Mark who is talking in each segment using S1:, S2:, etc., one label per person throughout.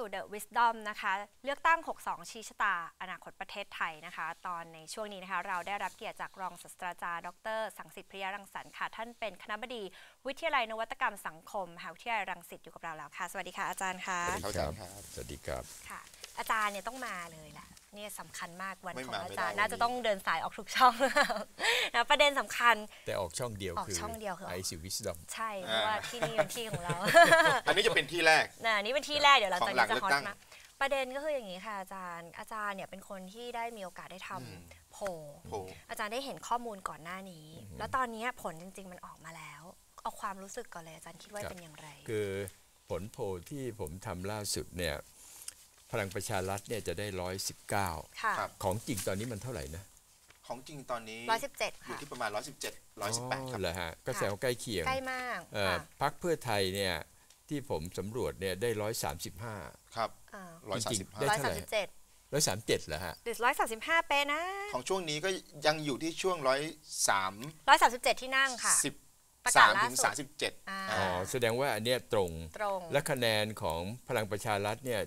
S1: สู่ The Wisdom นะคะเลือกตั้ง 62 ชี้ชะตาอนาคตประเทศไทยนะคะตอนในช่วงนี้นะคะเราได้รับเกียรติจากรองศาสตราจารย์ดร.สังสิทธิ์พริยรังสรรค์ค่ะท่านเป็นคณบดีวิทยาลัยนวัตกรรมสังคมมหาวิทยาลัยรังสิตอยู่กับเราแล้วค่ะสวัสดีค่ะอาจารย์ค่ะ
S2: สวัสดีครับสวัสดีครับ
S1: ค่ะอาจารย์เนี่ยต้องมาเลยแหละนี่สำคัญมากวันของอาจารย์
S2: น่า
S1: จะต้องเดินสายออกทุกช่องนะประเด็นสำคัญ
S2: แต่ออกช่องเดียวคือไอซิวิสดอม
S1: ใช่เพราะว่าที่นี่เป็นที่ของเรา
S3: อันนี้จะเป็นที่แรก
S1: นี่เป็นที่แรกเดี๋ยวหลังจากนี้จะฮอตมากประเด็นก็คืออย่างนี้ค่ะอาจารย์เนี่ยเป็นคนที่ได้มีโอกาสได้ทำโพลอาจารย์ได้เห็นข้อมูลก่อนหน้านี้แล้วตอนนี้ผลจริงๆมันออกมาแล้วเอาความรู้สึกก่อนเลยอาจารย์คิดว่าเป็นอย่างไร
S2: คือผลโพลที่ผมทำล่าสุดเนี่ยพลังประชารัฐเนี่ยจะได้119ของจริงตอนนี้มันเท่าไหร่นะ
S3: ของจริงตอนนี้
S1: 117
S3: อยู่ที่ประมาณ117 118ครับ
S2: เหรอฮะก็แสดงว่าใกล้เคียง
S1: ใกล้มาก
S2: พรรคเพื่อไทยเนี่ยที่ผมสำรวจเนี่ยได้135
S3: ครับ
S2: จริงๆได้เท่าไหร่137เหรอฮะ
S1: หรือ135เป๊ะนะ
S3: ของช่วงนี้ก็ยังอยู่ที่ช่วง
S1: 137ที่นั่งค่ะ
S3: 13 ถึง 37
S2: แสดงว่าอันเนี้ยตรงและคะแนนของพลังประชารัฐเนี่ย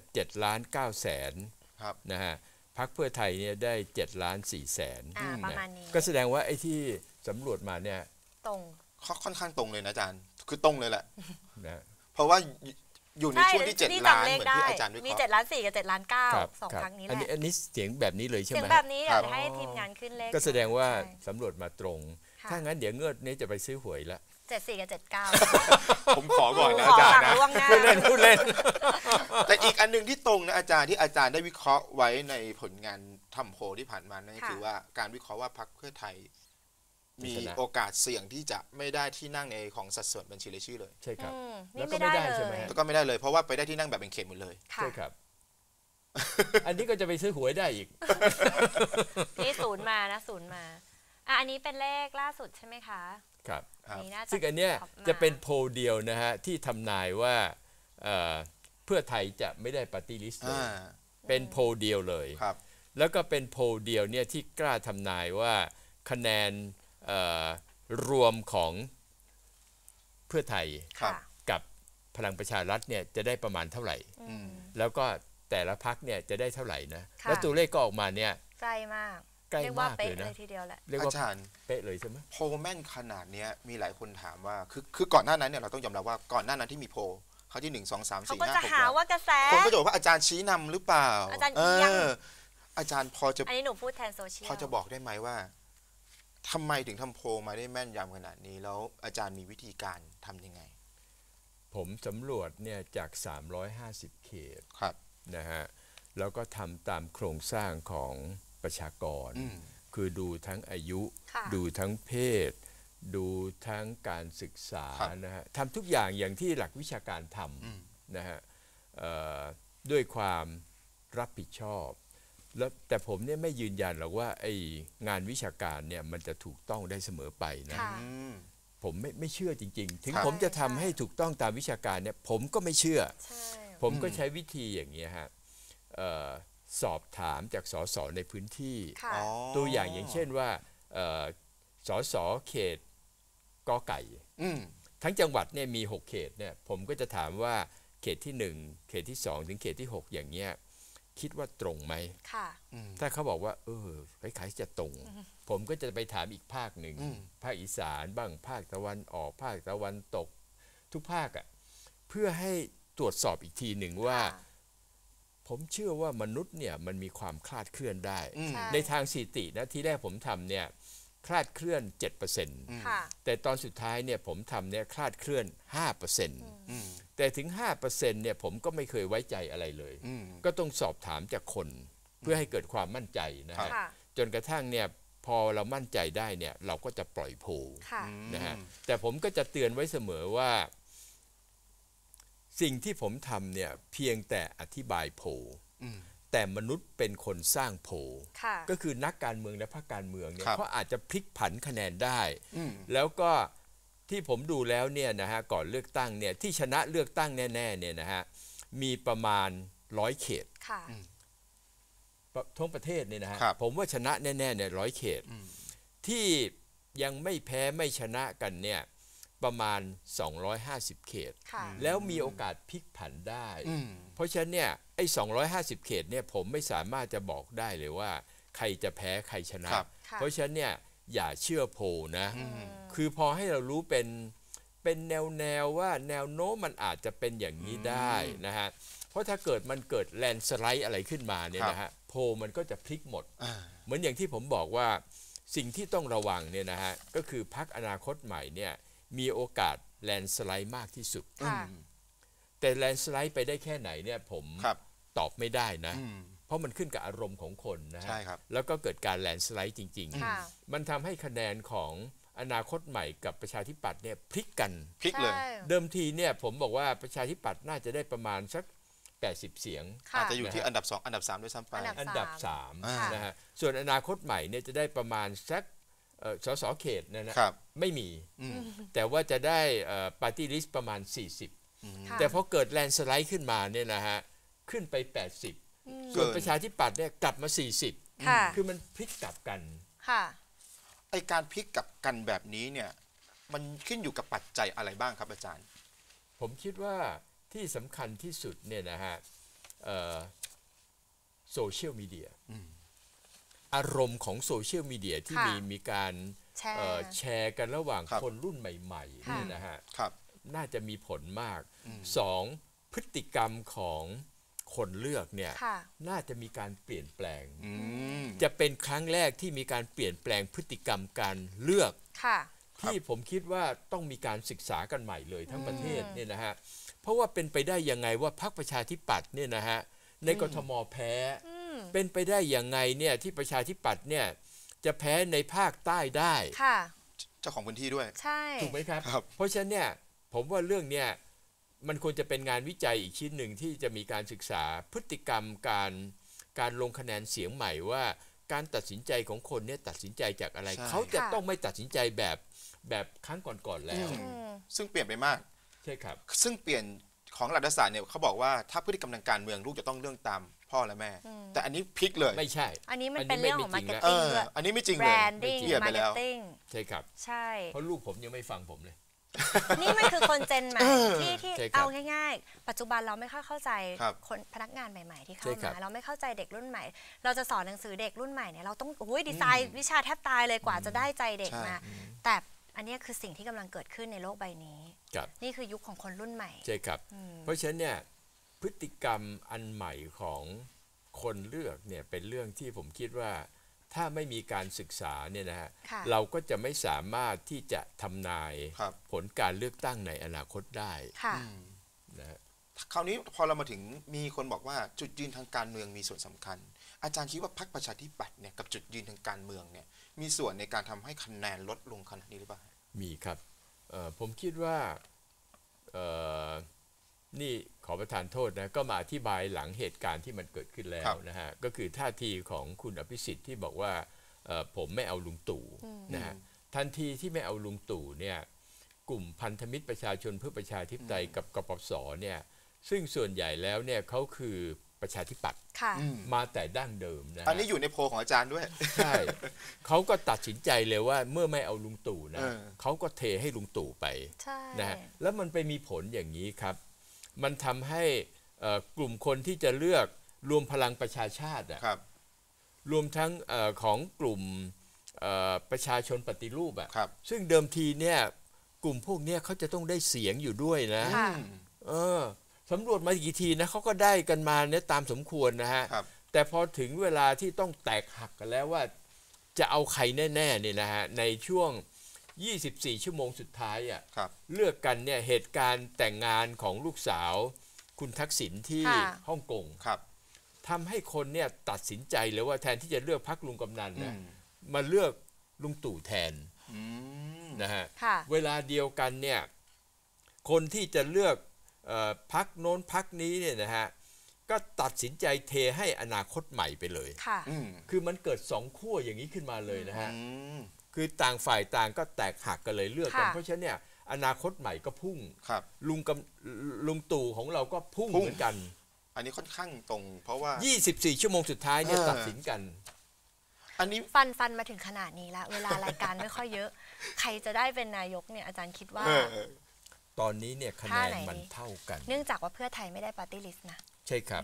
S2: 7,900,000
S3: ครับ
S2: นะฮะพรรคเพื่อไทยเนี่ยได้7,400,000
S1: ประมาณนี้
S2: ก็แสดงว่าไอ้ที่สำรวจมาเนี่ย
S1: ตรง
S3: ค่อนข้างตรงเลยนะอาจารย์คือตรงเลยแหละ
S2: นะ
S3: เพราะว่าอยู่ในช่วงที่7 ล้านเหมือนที่อาจารย์วิเคราะห์
S1: มี7,400,000กับ7,900,000 2ครั้งนี้แหละ
S2: อันนี้เสียงแบบนี้เลยใช่ไหม
S1: เสียงแบบนี้เดี๋ยวให้ทีมงานขึ้นเลข
S2: ก็แสดงว่าสำรวจมาตรงถ้างั้นเดี๋ยวเงือดนี้จะไปซื้อหวยละ
S1: 74กับ79
S3: ผมขอก่อนนะอาจารย์นะ
S2: พูดเล่น
S3: แต่อีกอันนึงที่ตรงนะอาจารย์ที่อาจารย์ได้วิเคราะห์ไว้ในผลงานทำโพลที่ผ่านมานั่นคือว่าการวิเคราะห์ว่าพรรคเพื่อไทยมีโอกาสเสี่ยงที่จะไม่ได้ที่นั่งในของสัดส่วนบัญชีรายชื่อเลย
S2: ใช่ครับ
S1: แล้วก็ไม่ได้
S2: ใช่ไหม
S3: แล้วก็ไม่ได้เลยเพราะว่าไปได้ที่นั่งแบบเป็นเขตหมดเลย
S2: ใช่ครับอันนี้ก็จะไปซื้อหวยได้อีก
S1: นี่ศูนย์มานะศูนย์มาอันนี้เป็นเลขล่าสุดใช่ไหมคะ
S2: ครับซึ่งอันเนี้ยจะเป็นโพลเดียวนะฮะที่ทำนายว่าเพื่อไทยจะไม่ได้ปาร์ตี้ลิสต์เลยเป็นโพลเดียวเลยแล้วก็เป็นโพลเดียวเนี่ยที่กล้าทำนายว่าคะแนนรวมของเพื่อไทยกับพลังประชารัฐเนี่ยจะได้ประมาณเท่าไหร่แล้วก็แต่ละพรรคเนี่ยจะได้เท่าไหร่นะแล้วตัวเลขก็ออกมาเนี่ย
S1: ใกล้มาก
S2: ใกล้มากเลยนะ
S1: ทีเดียวแหละ
S3: อาจารย์
S2: เป๊ะเลยใช่ไหม
S3: โพลแม่นขนาดนี้มีหลายคนถามว่าคือก่อนหน้านั้นเนี่ยเราต้องยอมรับว่าก่อนหน้านั้นที่มีโพลเขาที่1 2 3 4 5 6
S1: เขาก็จะหาว่ากระแส
S3: คนก็จะบอกว่าอาจารย์ชี้นำหรือเปล่า
S1: อาจารย์เอียง
S3: อาจารย์พอจะ
S1: อันนี้หนูพูดแทนโซเชียล
S3: พอจะบอกได้ไหมว่าทำไมถึงทำโพลมาได้แม่นยำขนาดนี้แล้วอาจารย์มีวิธีการทำยังไง
S2: ผมสำรวจเนี่ยจาก350เขตนะฮะแล้วก็ทำตามโครงสร้างของประชากรคือดูทั้งอายุดูทั้งเพศดูทั้งการศึกษานะฮะทำทุกอย่างที่หลักวิชาการทำนะฮะด้วยความรับผิดชอบแล้วแต่ผมเนี่ยไม่ยืนยันหรอกว่าไอ้งานวิชาการเนี่ยมันจะถูกต้องได้เสมอไปนะผมไม่เชื่อจริงๆถึงผมจะทำให้ถูกต้องตามวิชาการเนี่ยผมก็ไม่เชื่อผมก็ใช้วิธีอย่างนี้ฮะสอบถามจากสสในพื้นที่ตัวอย่างเช่นว่าสสเขตกอไก่ทั้งจังหวัดเนี่ยมี6เขตเนี่ยผมก็จะถามว่าเขตที่1เขตที่2ถึงเขตที่6อย่างเงี้ยคิดว่าตรงไหมถ้าเขาบอกว่าคล้ายๆจะตรงผมก็จะไปถามอีกภาคหนึ่งภาคอีสานบ้างภาคตะวันออกภาคตะวันตกทุกภาคเพื่อให้ตรวจสอบอีกทีหนึ่งว่าผมเชื่อว่ามนุษย์เนี่ยมันมีความคลาดเคลื่อนได้ในทางสถิตินะที่แรกผมทำเนี่ยคลาดเคลื่อน 7% แต่ตอนสุดท้ายเนี่ยผมทำเนี่ยคลาดเคลื่อน 5% แต่ถึง 5% เนี่ยผมก็ไม่เคยไว้ใจอะไรเลยก็ต้องสอบถามจากคนเพื่อให้เกิดความมั่นใจนะฮะจนกระทั่งเนี่ยพอเรามั่นใจได้เนี่ยเราก็จะปล่อยโพลนะฮะแต่ผมก็จะเตือนไว้เสมอว่าสิ่งที่ผมทำเนี่ยเพียงแต่อธิบายโพลแต่มนุษย์เป็นคนสร้างโพลก็คือนักการเมืองและพรรคการเมืองเนี่ยเขาอาจจะพลิกผันคะแนนได้แล้วก็ที่ผมดูแล้วเนี่ยนะฮะก่อนเลือกตั้งเนี่ยที่ชนะเลือกตั้งแน่ๆเนี่ยนะฮะมีประมาณ100เขตทั้งประเทศเนี่ยนะฮะผมว่าชนะแน่ๆเนี่ย100เขตที่ยังไม่แพ้ไม่ชนะกันเนี่ยประมาณ250เขตแล้วมีโอกาสพลิกผันได้เพราะฉะนั้นเนี่ยไอ้250 เขตเนี่ยผมไม่สามารถจะบอกได้เลยว่าใครจะแพ้ใครชนะ เพราะฉะนั้นเนี่ยอย่าเชื่อโพลนะคือพอให้เรารู้เป็นแนวว่าแนวโน้มมันอาจจะเป็นอย่างนี้ได้นะฮะเพราะถ้าเกิดมันเกิดแลนสไลด์อะไรขึ้นมาเนี่ยนะฮะโพลมันก็จะพลิกหมดเหมือนอย่างที่ผมบอกว่าสิ่งที่ต้องระวังเนี่ยนะฮะก็คือพรรคอนาคตใหม่เนี่ยมีโอกาสแลนสไลด์มากที่สุดแต่แลนสไลด์ไปได้แค่ไหนเนี่ยผมตอบไม่ได้นะเพราะมันขึ้นกับอารมณ์ของคนนะฮะแล้วก็เกิดการแลนสไลด์จริงๆมันทำให้คะแนนของอนาคตใหม่กับประชาธิปัตย์เนี่ยพลิกกัน
S3: พลิกเลย
S2: เดิมทีเนี่ยผมบอกว่าประชาธิปัตย์น่าจะได้ประมาณสัก80 เสียง
S3: อาจจะอยู่ที่อันดับ2อันดับ3ด้วยซ้ำไป
S2: อันดับ3นะฮะส่วนอนาคตใหม่เนี่ยจะได้ประมาณสักสสเขตนะไม่มีแต่ว่าจะได้ปาร์ตี้ลิสต์ประมาณ40แต่พอเกิดแลนสไลด์ขึ้นมาเนี่ยนะฮะขึ้นไป80ส่วนประชาธิปัตย์เนี่ยกลับมา40คือมันพลิกกลับกัน
S3: ไอการพลิกกลับกันแบบนี้เนี่ยมันขึ้นอยู่กับปัจจัยอะไรบ้างครับอาจารย์
S2: ผมคิดว่าที่สำคัญที่สุดเนี่ยนะฮะโซเชียลมีเดียอารมณ์ของโซเชียลมีเดียที่มีการแชร์กันระหว่างคนรุ่นใหม่ๆนี่นะฮะน่าจะมีผลมาก2พฤติกรรมของคนเลือกเนี่ยน่าจะมีการเปลี่ยนแปลงจะเป็นครั้งแรกที่มีการเปลี่ยนแปลงพฤติกรรมการเลือกที่ผมคิดว่าต้องมีการศึกษากันใหม่เลยทั้งประเทศเนี่ยนะฮะเพราะว่าเป็นไปได้ยังไงว่าพรรคประชาธิปัตย์เนี่ยนะฮะในกทมแพ้เป็นไปได้ยังไงเนี่ยที่ประชาธิปัตย์เนี่ยจะแพ้ในภาคใต้ได้
S3: เจ้าของพื้นที่ด้วย
S1: ใช่
S2: ถูกไหมครับเพราะฉะนั้นเนี่ยผมว่าเรื่องเนี้ยมันควรจะเป็นงานวิจัยอีกชิ้นหนึ่งที่จะมีการศึกษาพฤติกรรมการลงคะแนนเสียงใหม่ว่าการตัดสินใจของคนเนี่ยตัดสินใจจากอะไรเขาจะต้องไม่ตัดสินใจแบบครั้งก่อนๆแล้ว
S3: ซึ่งเปลี่ยนไปมาก
S2: ใช่ครับ
S3: ซึ่งเปลี่ยนของรัฐศาสตร์เนี่ยเขาบอกว่าถ้าพฤติกรรมทางการเมืองลูกจะต้องเรื่องตามพ่อและแม่แต่อันนี้พลิกเลย
S2: ไม่ใช่
S1: อันนี้มันเป็นเรื่องของมาร์เก็ตติ้งด้วย
S3: อันนี้ไม่จริงเลยแบร
S1: นดิ้งมาร์เก็ตติ้ง
S2: ใช่ครับ
S1: ใช่
S2: เพราะลูกผมยังไม่ฟังผมเลย
S1: นี่มันคือคนเจนใหม่ที่เอาง่ายๆปัจจุบันเราไม่ค่อยเข้าใจคนพนักงานใหม่ๆที่เข้ามาเราไม่เข้าใจเด็กรุ่นใหม่เราจะสอนหนังสือเด็กรุ่นใหม่เนี่ยเราต้องดีไซน์วิชาแทบตายเลยกว่าจะได้ใจเด็กมาแต่อันนี้คือสิ่งที่กำลังเกิดขึ้นในโลกใบนี้นี่คือยุคของคนรุ่นใหม่
S2: ใช่ครับเพราะฉะนั้นเนี่ยพฤติกรรมอันใหม่ของคนเลือกเนี่ยเป็นเรื่องที่ผมคิดว่าถ้าไม่มีการศึกษาเนี่ยนะฮะเราก็จะไม่สามารถที่จะทำนายผลการเลือกตั้งในอนาคตได้
S3: นะคราวนี้พอเรามาถึงมีคนบอกว่าจุดยืนทางการเมืองมีส่วนสำคัญอาจารย์คิดว่าพรรคประชาธิปัตย์เนี่ยกับจุดยืนทางการเมืองเนี่ยมีส่วนในการทำให้คะแนนลดลงขนาดนี้หรือเปล่า
S2: มีครับผมคิดว่านี่ขอประทานโทษนะก็มาอธิบายหลังเหตุการณ์ที่มันเกิดขึ้นแล้วนะฮะก็คือท่าทีของคุณอภิสิทธิ์ที่บอกว่าผมไม่เอาลุงตู่นะฮะทันทีที่ไม่เอาลุงตู่เนี่ยกลุ่มพันธมิตรประชาชนเพื่อประชาธิปไตยกับกปปสเนี่ยซึ่งส่วนใหญ่แล้วเนี่ยเขาคือประชาธิปัตย์มาแต่ดั้งเดิมนะ
S3: อันนี้อยู่ในโพลของอาจารย์ด้วย
S2: ใช่เขาก็ตัดสินใจเลยว่าเมื่อไม่เอาลุงตู่นะเขาก็เทให้ลุงตู่ไปนะฮะแล้วมันไปมีผลอย่างนี้ครับมันทำให้กลุ่มคนที่จะเลือกรวมพลังประชาชาติรวมทั้งของกลุ่มประชาชนปฏิรูปซึ่งเดิมทีเนี่ยกลุ่มพวกนี้เขาจะต้องได้เสียงอยู่ด้วยนะสำรวจมากี่ทีนะเขาก็ได้กันมาเนี่ยตามสมควรนะฮะแต่พอถึงเวลาที่ต้องแตกหักกันแล้วว่าจะเอาใครแน่ๆเนี่ยนะฮะในช่วง24 ชั่วโมงสุดท้ายเลือกกันเนี่ยเหตุการณ์แต่งงานของลูกสาวคุณทักษิณที่ฮ่องกงทำให้คนเนี่ยตัดสินใจเลยว่าแทนที่จะเลือกพรรคลุงกำนันนะมาเลือกลุงตู่แทนนะฮะเวลาเดียวกันเนี่ยคนที่จะเลือกพรรคโน้นพรรคนี้เนี่ยนะฮะก็ตัดสินใจเทให้อนาคตใหม่ไปเลยคือมันเกิด2 ขั้วอย่างนี้ขึ้นมาเลยนะฮะคือต่างฝ่ายต่างก็แตกหักกันเลยเลือกกันเพราะฉะนั้นเนี่ยอนาคตใหม่ก็พุ่งลุงตู่ของเราก็พุ่งเหมือนกัน
S3: อันนี้ค่อนข้างตรงเพราะว่า
S2: 24 ชั่วโมงสุดท้ายเนี่ยตัดสินกัน
S1: อันนี้ฟันมาถึงขนาดนี้แล้วเวลารายการไม่ค่อยเยอะใครจะได้เป็นนายกเนี่ยอาจารย์คิดว่า
S2: ตอนนี้เนี่ยคะแนนมันเท่ากัน
S1: เนื่องจากว่าเพื่อไทยไม่ได้ปาร์ตี้ลิสต์นะ
S2: ใช่ครับ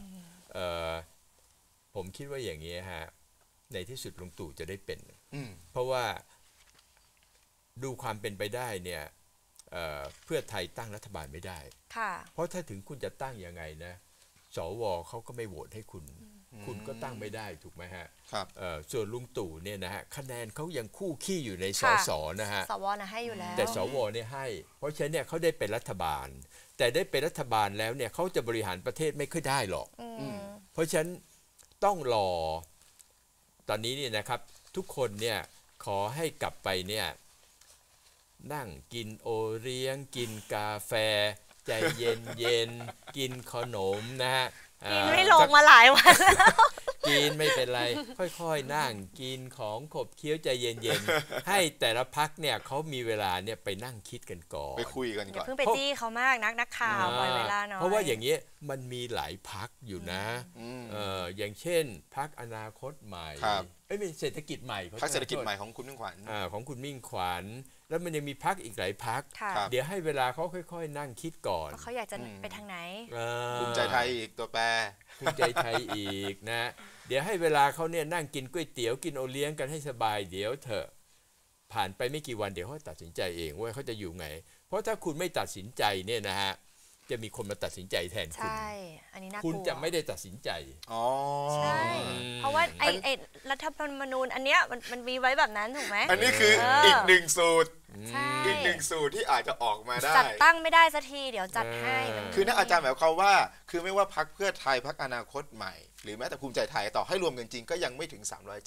S2: ผมคิดว่าอย่างนี้ฮะในที่สุดลุงตู่จะได้เป็นเพราะว่าดูความเป็นไปได้เนี่ยเพื่อไทยตั้งรัฐบาลไม่ได้เพราะถ้าถึงคุณจะตั้งยังไงนะสวเขาก็ไม่โหวตให้คุณก็ตั้งไม่ได้ถูกไหมฮะส่วนลุงตู่เนี่ยนะฮะคะแนนเขายังคู่ขี้อยู่ในสสนะฮะ
S1: สวนะให้อยู่แล้ว
S2: แต่สวเนี่ยให้เพราะฉะนั้นเนี่ยเขาได้เป็นรัฐบาลแต่ได้เป็นรัฐบาลแล้วเนี่ยเขาจะบริหารประเทศไม่ค่อยได้หรอกเพราะฉะนั้นต้องรอตอนนี้เนี่ยนะครับทุกคนเนี่ยขอให้กลับไปเนี่ยนั่งกินโอเลี้ยงกินกาแฟใจเย็นเย็นกินขนมนะฮะ
S1: กินไม่ลงมาหลายวันแล้ว
S2: กินไม่เป็นไรค่อยๆนั่งกินของขบเคี้ยวใจเย็นๆให้แต่ละพักเนี่ยเขามีเวลาเนี่ยไปนั่งคิดกันก่อน
S3: ไปคุยกันก่อน
S1: อย่าเพิ่งไปจี้เขามากนักข่าวปล่อยเวลาหน่อย
S2: เพราะว่าอย่างเงี้ยมันมีหลายพักอยู่นะอย่างเช่นพักอนาคตใหม่ไม่เศรษฐกิจใหม่
S3: พักเศรษฐกิจใหม่ของคุณมิ่งขวัญ
S2: ของคุณมิ่งขวัญแล้วมันยังมีพักอีกหลายพักเดี๋ยวให้เวลาเขาค่อยๆนั่งคิดก่อน
S1: เขาอยากจะไปทางไหน
S3: ภูมิใจไทยอีกตัวแปร
S2: ภูมิใจไทยอีกนะเดี๋ยวให้เวลาเขาเนี่ยนั่งกินก๋วยเตี๋ยวกินโอเลี้ยงกันให้สบายเดี๋ยวเถอะผ่านไปไม่กี่วันเดี๋ยวเขาตัดสินใจเองว่าเขาจะอยู่ไงเพราะถ้าคุณไม่ตัดสินใจเนี่ยนะฮะจะมีคนมาตัดสินใจแทนคุณ
S1: ใช่อันนี้น่ากลัว
S2: คุณจะไม่ได้ตัดสินใจ
S1: ใช่เพราะว่าไอ้รัฐธรรมนูญอันเนี้ยมันมีไว้แบบนั้นถูกไหม
S3: อันนี้คืออีกหนึ่งสูตรอีกหนึ่งสูตรที่อาจจะออกมาได้
S1: จัดตั้งไม่ได้สักทีเดี๋ยวจัดให้
S3: คือนักอาจารย์หมายความว่าคือไม่ว่าพรรคเพื่อไทยพรรคอนาคตใหม่หรือแม้แต่ภูมิใจไทยต่อให้รวมกันจริงก็ยังไม่ถึง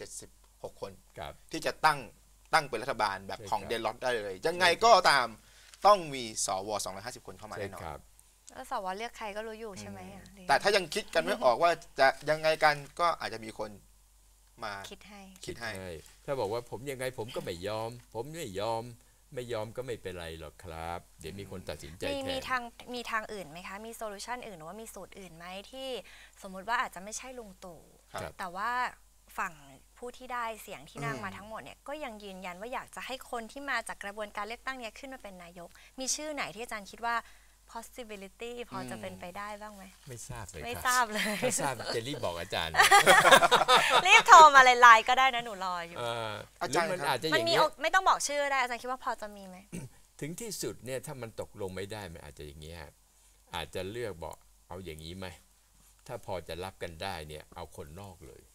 S3: 376คนที่จะตั้งเป็นรัฐบาลแบบของเดลล็อตได้เลยยังไงก็ตามต้องมีสว250คนเข้ามาแน่นอน
S1: แล้วสวเลือกใครก็รู้อยู่ใช่ไหม
S3: แต่ถ้ายังคิดกันไม่ออกว่าจะยังไงกันก็อาจจะมีคนมา
S1: คิด
S3: ให้
S2: ถ้าบอกว่าผมยังไงผมก็ไม่ยอมผมไม่ยอมก็ไม่เป็นไรหรอกครับเดี๋ยวมีคนตัดสินใจแทน
S1: มีทางอื่นไหมคะมีโซลูชันอื่นหรือว่ามีสูตรอื่นไหมที่สมมุติว่าอาจจะไม่ใช่ลุงตู่แต่ว่าฝั่งผู้ที่ได้เสียงที่นั่งมาทั้งหมดเนี่ยก็ยังยืนยันว่าอยากจะให้คนที่มาจากกระบวนการเลือกตั้งเนี้ยขึ้นมาเป็นนายกมีชื่อไหนที่อาจารย์คิดว่า possibility พอจะเป็นไปได้บ้างไหม
S2: ไม่ทราบเลย
S1: ไม่ทราบเลย
S2: ถ้าทราบจะรีบบอกอาจารย์
S1: รีบโทรมาไลน์ก็ได้นะหนูรออยู่
S2: อาจารย์มันอาจจะอย่างนี้
S1: ไม่ต้องบอกชื่อได้อาจารย์คิดว่าพอจะมีไหม
S2: ถึงที่สุดเนี่ยถ้ามันตกลงไม่ได้มันอาจจะอย่างนี้อาจจะเลือกบอกเอาอย่างนี้ไหมถ้าพอจะรับกันได้เนี่ยเอาคนนอกเลย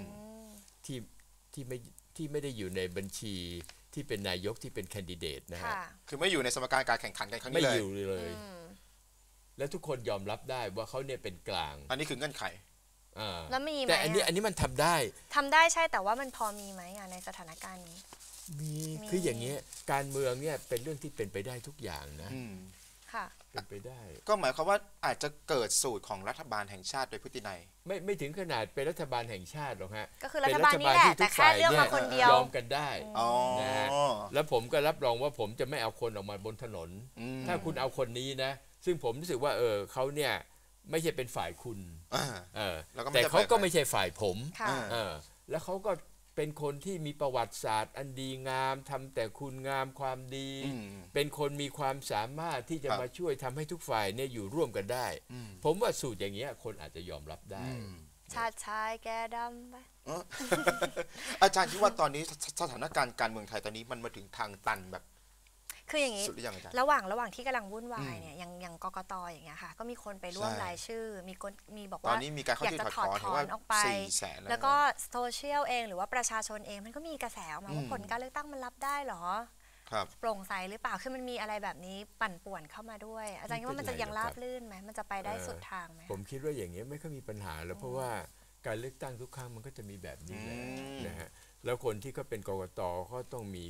S2: ที่ไม่ได้อยู่ในบัญชีที่เป็นนายกที่เป็นแคนดิเดตนะฮะ
S3: คือไม่อยู่ในสมการการแข่งขันกันครั้งนี้
S2: เลยไม่อยู่เลยและทุกคนยอมรับได้ว่าเขาเนี่ยเป็นกลาง
S3: อันนี้คือเงื่อนไข
S1: แล้วมีไหม
S2: แต่อันนี้มันทำได้
S1: ใช่แต่ว่ามันพอมีไหมในสถานการณ์นี้
S2: มีคืออย่างนี้การเมืองเนี่ยเป็นเรื่องที่เป็นไปได้ทุกอย่างนะเป็นไปได้
S3: ก็หมายความว่าอาจจะเกิดสูตรของรัฐบาลแห่งชาติโดยพฤตินัย
S2: ไม่ถึงขนาดเป็นรัฐบาลแห่งชาติหรอกฮะ
S1: ก็คือรัฐบาลนี้แหละแต่แค่เลือกมาคนเดียวย
S2: อมกันได้นะฮะแล้วผมก็รับรองว่าผมจะไม่เอาคนออกมาบนถนนถ้าคุณเอาคนนี้นะซึ่งผมรู้สึกว่าเขาเนี่ยไม่ใช่เป็นฝ่ายคุณแต่เขาก็ไม่ใช่ฝ่ายผมแล้วเขาก็เป็นคนที่มีประวัติศาสตร์อันดีงามทำแต่คุณงามความดีเป็นคนมีความสามารถที่จะมาช่วยทำให้ทุกฝ่ายเนี่ยอยู่ร่วมกันได้ผมว่าสูตรอย่างเงี้ยคนอาจจะยอมรับได้
S1: ชาติชายแกดำไป
S3: อาจารย์คิดว่าตอนนี้สถานการณ์การเมืองไทยตอนนี้มันมาถึงทางตันแบบ
S1: คืออย่างนี้ระหว่างที่กำลังวุ่นวายเนี่ยอย่างกกต.อย่างเงี้ยค่ะก็มีคนไปร่วมรายชื่อมีบอกว่าอยากจะถอดถอนออกไปแล้วก็โซเชียลเองหรือว่าประชาชนเองมันก็มีกระแสออกมาว่าผลการเลือกตั้งมันรับได้หรอโปร่งใสหรือเปล่าคือมันมีอะไรแบบนี้ปั่นป่วนเข้ามาด้วยอาจารย์คิดว่ามันจะยังราบลื่นไหมมันจะไปได้สุดทางไหม
S2: ผมคิดว่าอย่างเงี้ยไม่ค่อยมีปัญหาแล้วเพราะว่าการเลือกตั้งทุกครั้งมันก็จะมีแบบนี้แหละนะฮะแล้วคนที่เขาเป็นกกต.ก็ต้องมี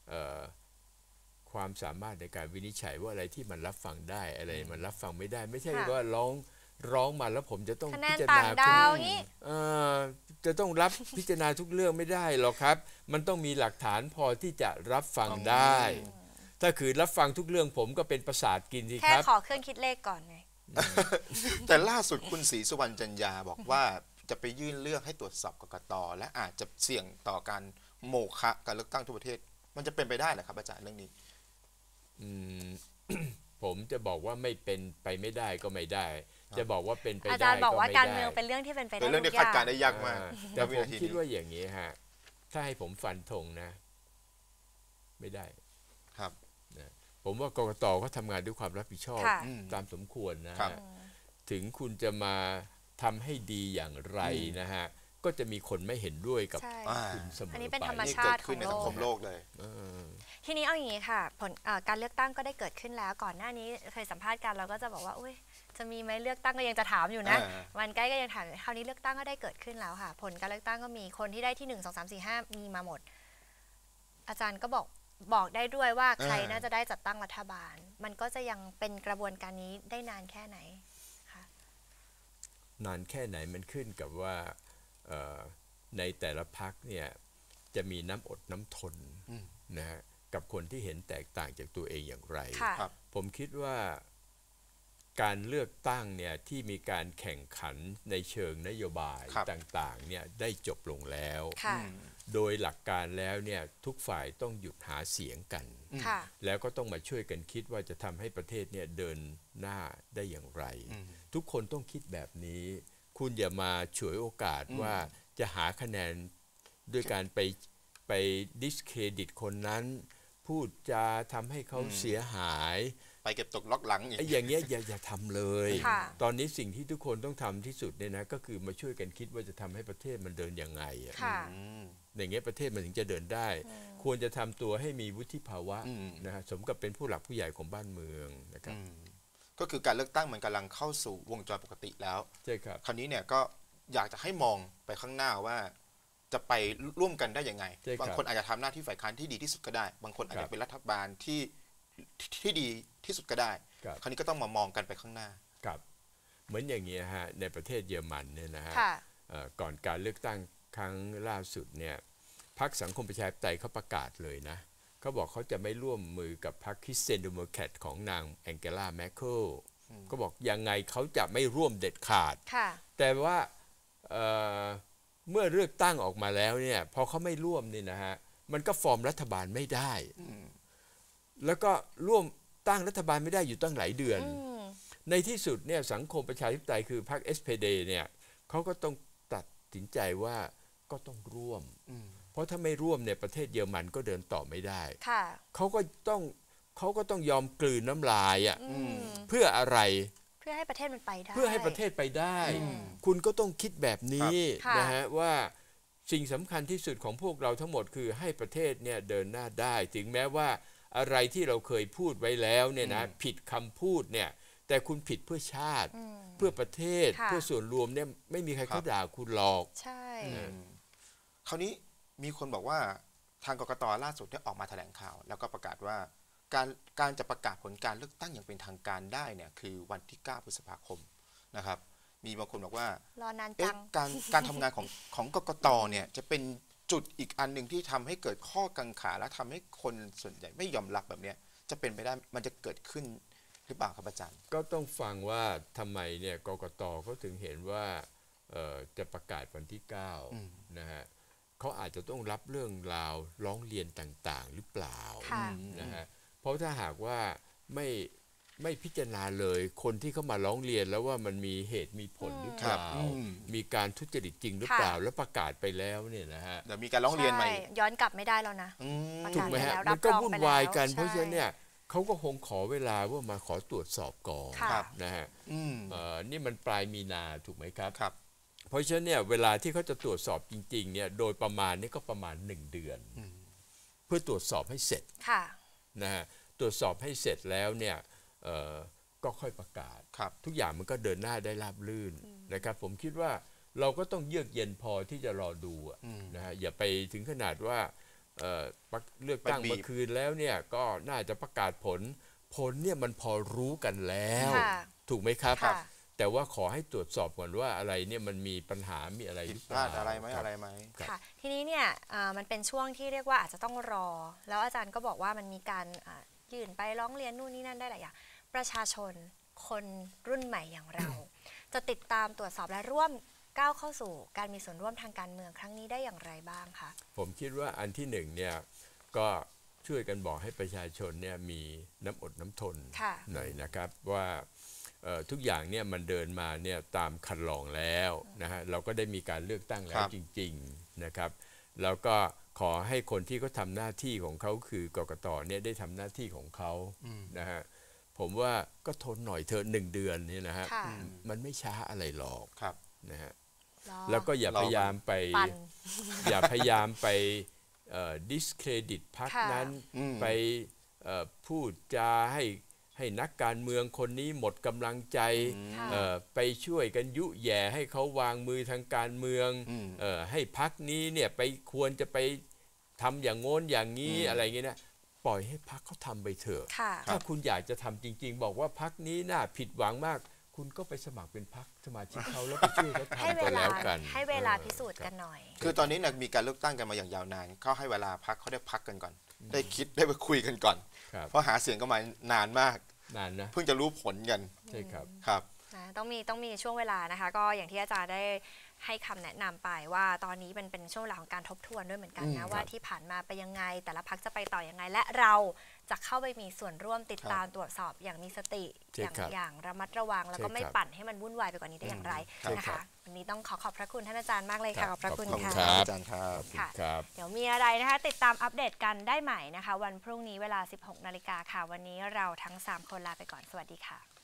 S2: ความสามารถในการวินิจฉัยว่าอะไรที่มันรับฟังได้อะไรมันรับฟังไม่ได้ไม่ใช่ว่าร้องมาแล้วผมจะต้องพิจารณาจะต้องรับพิจารณาทุกเรื่องไม่ได้หรอกครับมันต้องมีหลักฐานพอที่จะรับฟังได้ถ้าคือรับฟังทุกเรื่องผมก็เป็นประสาทกินสิครับ
S1: แค่ขอเครื่องคิดเลขก่อนไง
S3: แต่ล่าสุดคุณศรีสุวรรณจันยาบอกว่าจะไปยื่นเรื่องให้ตรวจสอบกกต.และอาจจะเสี่ยงต่อการโมฆะการเลือกตั้งทั่วประเทศมันจะเป็นไปได้เหรอครับอาจารย์เรื่องนี้
S2: ผมจะบอกว่าไม่เป็นไปไม่ได้ก็ไม่ได้จะบอกว่าเป็นไปได้
S1: อาจารย์บอกว่า
S2: ไม่
S1: การ
S2: ได้
S1: เมืองเป็นเรื่องที่เป็นไปได้
S3: เป็นเรื่องที่
S1: ทุก
S3: คาดการณ์ได้ยากมาก
S2: แต่ผมคิดว่าอย่างนี้ฮะถ้าให้ผมฟันธงนะ ไม่ได้
S3: ครับ
S2: นะผมว่ากกตก็ทำงานด้วยความรับผิดชอบ
S1: ค่ะ
S2: ตามสมควรนะ
S3: ครั
S2: ฮะ
S3: บ
S2: ถึงคุณจะมาทำให้ดีอย่างไรนะฮะก็จะมีคนไม่เห็นด้วยกับ
S1: ใช่
S2: คุณเสมอ
S1: อัน
S2: ไป
S1: นี้เป็นธรรม
S3: นี่
S1: ชา
S3: เกิ
S1: ติ
S3: ดขึ้นใน
S1: ของโลก
S3: สังคมโลกเลย
S1: ทีนี้เอาอย่างนี้ค่ะผลการเลือกตั้งก็ได้เกิดขึ้นแล้วก่อนหน้านี้เคยสัมภาษณ์กันเราก็จะบอกว่าอุ้ยจะมีไหมเลือกตั้งก็ยังจะถามอยู่นะ วันใกล้ก็ยังถามคราวนี้เลือกตั้งก็ได้เกิดขึ้นแล้วค่ะ ผลการเลือกตั้งก็มีคนที่ได้ที่1 2 3 4 5มีมาหมด อาจารย์ก็บอกได้ด้วยว่าใครน่าจะได้จัดตั้งรัฐบาล มันก็จะยังเป็นกระบวนการนี้ได้นานแค่ไหนคะ
S2: นานแค่ไหนมันขึ้นกับว่าในแต่ละพรรคเนี่ยจะมีน้ำอดน้ำทนนะฮะกับคนที่เห็นแตกต่างจากตัวเองอย่างไร
S1: ค่ะ
S2: ผมคิดว่าการเลือกตั้งเนี่ยที่มีการแข่งขันในเชิงนโยบาย
S3: ครับ
S2: ต่างๆเนี่ยได้จบลงแล้ว
S1: ค่ะ
S2: โดยหลักการแล้วเนี่ยทุกฝ่ายต้องหยุดหาเสียงกัน
S1: ค่ะ
S2: แล้วก็ต้องมาช่วยกันคิดว่าจะทำให้ประเทศเนี่ยเดินหน้าได้อย่างไร ทุกคนต้องคิดแบบนี้ คุณอย่ามาฉวยโอกาสว่าจะหาคะแนนด้วยการไปดิสเครดิตคนนั้น พูดจะทำให้เขาเสียหาย
S3: ไปเก็บตกล็อกหลังอีก
S2: ไอ้อย่างเงี้ยอย่าทำเลย
S1: ค่ะ
S2: ตอนนี้สิ่งที่ทุกคนต้องทำที่สุดเนี่ยนะก็คือมาช่วยกันคิดว่าจะทำให้ประเทศมันเดินยังไงอะ
S1: ค่ะ
S2: อย่างเงี้ยประเทศมันถึงจะเดินได้ ควรจะทำตัวให้มีวุฒิภาวะนะฮะสมกับเป็นผู้หลักผู้ใหญ่ของบ้านเมืองนะครับ
S3: ก็คือการเลือกตั้งมันกำลังเข้าสู่วงจรปกติแล้ว
S2: ใช่ครับ
S3: คราวนี้เนี่ยก็อยากจะให้มองไปข้างหน้าว่าจะไปร่วมกันได้ยังไง
S2: ใช่ครับ
S3: บางคนอาจจะทำหน้าที่ฝ่ายค้านที่ดีที่สุดก็ได้ บางคนอาจ
S2: ครั
S3: จะ
S2: บ
S3: เป็นรัฐบาลที่ดีที่สุดก็ได้
S2: ครับ
S3: คราวนี้ก็ต้องมามองกันไปข้างหน้า
S2: ครับเหมือนอย่างเงี้ยฮะในประเทศเยอรมันเนี่ยนะฮะ
S1: ค่ะ
S2: ก่อนการเลือกตั้งครั้งล่าสุดเนี่ยพรรคสังคมประชาธิปไตยเขาประกาศเลยนะเขาบอกเขาจะไม่ร่วมมือกับพรรคคริสเตียนเดโมแครตของนางแองเกลาแมคเคิลก็บอกยังไงเขาจะไม่ร่วมเด็ดขาด
S1: ค่ะ
S2: แต่ว่าเมื่อเลือกตั้งออกมาแล้วเนี่ยพอเขาไม่ร่วมนี่นะฮะมันก็ฟอร์มรัฐบาลไม่ได้ แล้วก็ร่วมตั้งรัฐบาลไม่ได้อยู่ตั้งหลายเดือน ในที่สุดเนี่ยสังคมประชาธิปไตยคือพรรค SPD เนี่ยเขาก็ต้องตัดสินใจว่าก็ต้องร่วม เพราะถ้าไม่ร่วมเนี่ยประเทศเยอรมันก็เดินต่อไม่ได้
S1: ค่ะ
S2: เขาก็ต้องยอมกลืนน้ำลายอ่ะเพื่ออะไร
S1: เพื่อให้ประเทศมันไปได้
S2: เพื่อให้ประเทศไปได้ คุณก็ต้องคิดแบบนี้
S1: ค่ะ
S2: นะฮะว่าสิ่งสำคัญที่สุดของพวกเราทั้งหมดคือให้ประเทศเนี่ยเดินหน้าได้ ถึงแม้ว่าอะไรที่เราเคยพูดไว้แล้วเนี่ยนะผิดคำพูดเนี่ยแต่คุณผิดเพื่อชาติ เพื่อประเทศ
S1: ค่ะ
S2: เพื่อส่วนรวมเนี่ยไม่มีใครเขาด่าคุณหรอก
S1: ใช่
S3: คราวนี้มีคนบอกว่าทางกกตล่าสุดได้ออกมาแถลงข่าว แล้วก็ประกาศว่าการจะประกาศผลการเลือกตั้งอย่างเป็นทางการได้เนี่ยคือวันที่ 9 พฤษภาคมนะครับ มีบางคนบอกว่าร
S1: อนานจั
S3: เอ๊ะ
S1: ง
S3: การทำงานของกกตเนี่ยจะเป็นจุดอีกอันหนึ่งที่ทำให้เกิดข้อกังขาและทำให้คนส่วนใหญ่ไม่ยอมรับแบบเนี้ยจะเป็นไปได้มันจะเกิดขึ้นหรือเปล่าครับอาจารย์
S2: ก็ต้องฟังว่าทำไมเนี่ยกกตเขาถึงเห็นว่าจะประกาศวันที่9นะฮะเขาอาจจะต้องรับเรื่องราวร้องเรียนต่างๆ หรือเปล่า
S1: ค่ะ
S2: นะฮะเพราะถ้าหากว่าไม่พิจารณาเลยคนที่เขามาร้องเรียนแล้วว่ามันมีเหตุมีผลหรือเปล่า มีการทุจริตจริงหรือเปล่า
S1: ค่ะ
S2: แล้วประกาศไปแล้วเนี่ยนะฮะ
S3: เดี๋ยวมีการร้องเรียนใหม่
S1: ใช่ย้อนกลับไม่ได้แล้วนะ ประ
S2: ถู
S1: กาก ศ
S2: ไหมฮะ
S1: ไปแล้ว
S2: มันก็
S1: รับรอง
S2: วุ่น
S1: ไปแล้ว
S2: วายกัน
S1: ใช่
S2: เพราะฉะนั้นเนี่ยเขาก็คงขอเวลาว่ามาขอตรวจสอบก่อน
S1: ค่ะ
S2: นะฮะ
S3: อืม
S2: นี่มันปลายมีนาถูกไหมครับ
S3: ครับ
S2: เพราะฉะนั้นเนี่ยเวลาที่เขาจะตรวจสอบจริงๆเนี่ยโดยประมาณนี่ก็ประมาณ1 เดือน เพื่อตรวจสอบให้เสร็จ
S1: ค่ะ
S2: นะฮะตรวจสอบให้เสร็จแล้วเนี่ยก็ค่อยประกาศ
S3: ครับ
S2: ทุกอย่างมันก็เดินหน้าได้ราบรื่นนะครับผมคิดว่าเราก็ต้องเยือกเย็นพอที่จะรอดูอะนะฮะอย่าไปถึงขนาดว่าเลือกตั้ง
S3: ไปบีบ
S2: เมื่อคืนแล้วเนี่ยก็น่าจะประกาศผลเนี่ยมันพอรู้กันแล้ว
S1: ค่ะ
S2: ถูกไหมครับ
S1: ค่ะ
S2: แต่ว่าขอให้ตรวจสอบก่อนว่าอะไรเนี่ยมันมีปัญหามีอะไรห
S3: ผิด
S2: รือ
S3: พ
S2: เปล่า
S3: ลาดอะไรไหม
S2: คบ
S3: อะไรไหม
S2: ครับ
S1: ค่ะ ทีนี้เนี่ยมันเป็นช่วงที่เรียกว่าอาจจะต้องรอ แล้วอาจารย์ก็บอกว่ามันมีการยื่นไปร้องเรียนนู่นนี่นั่นได้หลายอย่างประชาชนคนรุ่นใหม่อย่างเรา จะติดตามตรวจสอบและร่วมก้าวเข้าสู่การมีส่วนร่วมทางการเมืองครั้งนี้ได้อย่างไรบ้างคะ
S2: ผมคิดว่าอันที่หนึ่งเนี่ยก็ช่วยกันบอกให้ประชาชนเนี่ยมีน้ำอดน้ำทน
S1: ค่ะ
S2: หน่อยนะครับว่าทุกอย่างเนี่ยมันเดินมาเนี่ยตามคันลองแล้วนะฮะเราก็ได้มีการเลือกตั้งแล้วจริงๆนะครับแล้วก็ขอให้คนที่เขาทำหน้าที่ของเขาคือกกตเนี่ยได้ทำหน้าที่ของเขานะฮะผมว่าก็ทนหน่อยเธอ1 เดือนเนี่ยนะฮะมันไม่ช้าอะไรหรอกนะฮะแล้วก็อย่าพยายามไปดิสเครดิตพรรคนั้นไปพูดจาให้นักการเมืองคนนี้หมดกำลังใจไปช่วยกันยุแย่ให้เขาวางมือทางการเมืองให้พรรคนี้เนี่ยไปควรจะไปทำอย่างโน้นอย่างนี้อะไรเงี้ยนะปล่อยให้พรรคเขาทำไปเถอะถ้าคุณอยากจะทำจริงๆบอกว่าพรรคนี้น่าผิดหวังมากคุณก็ไปสมัครเป็นพรรคสมาชิกเขาแล้วไปช่วยเขาทำไปแล้วกัน
S1: ให้เวลาพิสูจน์กันหน่อย
S3: คือตอนนี้มีการเลือกตั้งกันมาอย่างยาวนานเขาให้เวลาพรรคเขาได้พักกันก่อนได้คิดได้ไปคุยกันก่อนเพราะหาเสียงก็มานานมาก
S2: นะ
S3: เพิ่งจะรู้ผลกัน
S2: ใช่ครับ
S1: ต้องมีช่วงเวลานะคะก็อย่างที่อาจารย์ได้ให้คำแนะนำไปว่าตอนนี้มันเป็นช่วงเวลาของการทบทวนด้วยเหมือนกันนะว่าที่ผ่านมาไปยังไงแต่ละพรรคจะไปต่อยังไงและเราจะเข้าไปมีส่วนร่วมติดตามตรวจสอบอย่างมีสติอย่างระมัดระวังแล้วก็ไม่ปั่นให้มันวุ่นวายไปกว่านี้ได้อย่างไรนะคะวันนี้ต้องขอบพระคุณท่านอาจารย์มากเลยค่ะขอบพระคุณค่ะ
S3: อาจารย์ครับ
S1: เดี๋ยวมีอะไรนะคะติดตามอัปเดตกันได้ใหม่นะคะวันพรุ่งนี้เวลา 16 นาฬิกาค่ะวันนี้เราทั้ง3 คนลาไปก่อนสวัสดีค่ะ